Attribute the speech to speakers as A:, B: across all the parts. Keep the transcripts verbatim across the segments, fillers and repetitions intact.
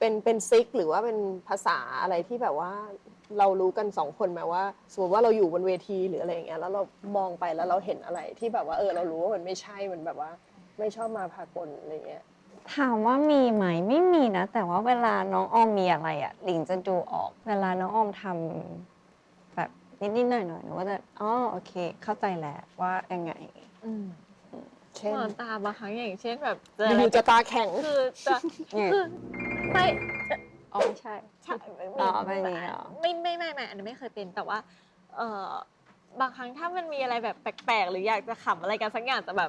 A: เป็นเป็นซิกหรือว่าเป็นภาษาอะไรที่แบบว่าเรารู้กันสองคนไหมว่าสมมติว่าเราอยู่บนเวทีหรืออะไรอย่างเงี้ยแล้วเรามองไปแล้วเราเห็นอะไรที่แบบว่าเออเรารู้ว่ามันไม่ใช่มันแบบว่าไม่ชอบมาพากลอะไรเงี้ย
B: ถามว่ามีไหมไม่มีนะแต่ว่าเวลาน้องออมมีอะไรอ่ะหลิงจะดูออก เวลาน้องออมทำแบบนิดๆหน่อยๆหนูก็จะอ๋อโอเคเข้าใจแล้วว่ายังไง
C: อืม
A: เช่น
C: มองตาบางครั้งอย่างเช่นแบบเจอ
A: อ
C: อะไร
A: ยู่ๆจะตาแข็ง
C: คือจะ
B: เนี่ย
C: คือไม่
B: อ๋อไม่ใช่
C: ใช่
B: อ๋อไม่มีเหรอ
C: ไม่ไม่ไม่ไม่อันนี้ไม่เคยเป็นแต่ว่าเออบางครั้งถ้ามันมีอะไรแบบแปลกๆหรืออยากจะขำอะไรกันสักอย่างแต่แบบ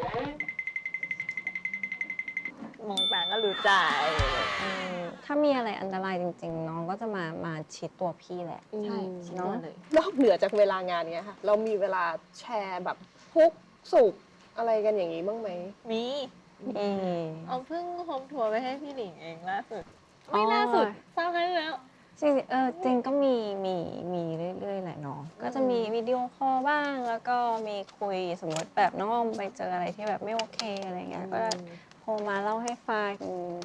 C: มองตาก็รู้ใจ
B: ถ้ามีอะไรอันตรายจริงๆ น้องก็จะมามาชิดตัวพี่แหละ
C: ใช่
A: อืม
C: ชิดตัวเลย
A: นอกเหนือจากเวลางานเนี้ยค่ะ เรามีเวลาแชร์แบบทุกข์สุขอะไรกันอย่างนี้บ้างไหม
C: มี
B: เออ
C: เอาเพิ่งโฮมทัวร์ไปให้พี่หลิงเองล่าสุด
B: อ๋อ
C: ไม่ล่าสุดทราบได้แล้ว
B: จริงๆเออจริงก็มีมีมีเรื่อยๆแหละเนาะก็จะมีวิดีโอคอลบ้างแล้วก็มีคุยสมมติแบบน้องออมไปเจออะไรที่แบบไม่โอเคอะไรเงี้ยก็โทรมาเล่าให้ฟัง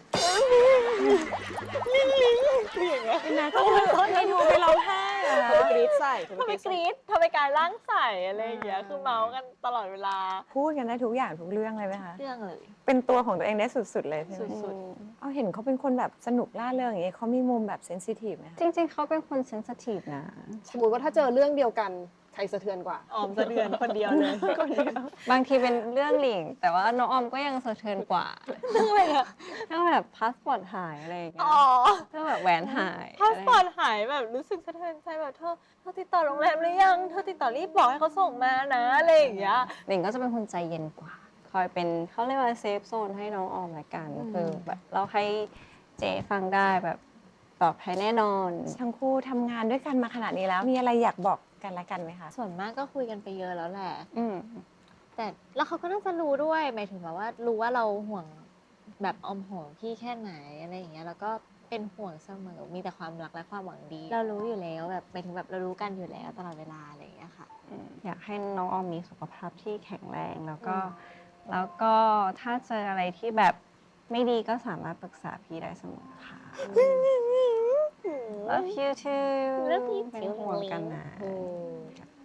C: นะก็ไม่โทรไปร้องไห้อะ
A: เธอไปกรี๊ดใส่เธอ
C: ทำ
A: ไป
C: ไม
A: กรี๊ด
C: กรี๊ดทำไมกายร่างใส่อะไรอย่างเงี้ยคือเมาส์กันตลอดเวลา
D: พูดกันได้ทุกอย่างทุกเรื่องเลยไหมคะ
C: เรื่องเลย
D: เป็นตัวของตัวเองได้สุดๆเลยใช่ไหม
C: สุด
D: เอาเห็นเขาเป็นคนแบบสนุกล่าเริงอย่างเงี้ยเขามีมุมแบบเซนซิทีฟไหมคะ
B: จริงๆ เขาเป็นคนเซนซิทีฟนะ
A: สมมติว่าถ้าเจอเรื่องเดียวกันใครสะเทือนกว่า
C: ออมสะเดือนคนเดียวเลยคนเดียว
B: บางทีเป็นเรื่องหลิง แต่ว่าน้องออมก็ยังสะเทือนกว่า
C: เรื่องอะไรอะ
B: เรื่องแบบพาสปอร์ตหายอะไรอย่างเงี้ย
C: อ๋อ
B: เรื่องแบบแหวนหาย
C: พาสปอร์ตหายแบบรู้สึกสะเทือนใจแบบเธอเธอติดต่อโรงแรมหรือยังเธอติดต่อรีบบอกให้เขาส่งมานะอะไรอย่างเงี้ย
B: หลิงก็จะเป็นคนใจเย็นกว่า คอยเป็นเขาเรียกว่าเซฟโซนให้น้องออมละกัน
C: อืม
B: คือแบบเราให้เจฟังได้แบบปลอดภัยแน่นอน
D: ทั้งคู่ทำงานด้วยกันมาขนาดนี้แล้ว มีอะไรอยากบอกกันและกันไหมคะ
C: ส่วนมากก็คุยกันไปเยอะแล้วแหละ
B: อืม
C: แต่แล้วเขาก็น่าจะรู้ด้วยหมายถึงแบบว่ารู้ว่าเราห่วงแบบออมห่วงพี่แค่ไหนอะไรอย่างเงี้ยแล้วก็เป็นห่วงเสมอมีแต่ความรักและความหวังดี เรารู้อยู่แล้วแบบหมายถึงแบบเรารู้กันอยู่แล้วตลอดเวลาอะไรอย่างเงี้ยค่ะ
B: อยากให้น้องออมมีสุขภาพที่แข็งแรงแล้วก็
C: อืม
B: แล้วก็ถ้าเจออะไรที่แบบไม่ดีก็สามารถปรึกษาพี่ได้เสมอค่ะ Love you too
C: Love you
B: เป็น
C: too
B: ห่วงกันนะ
A: อืม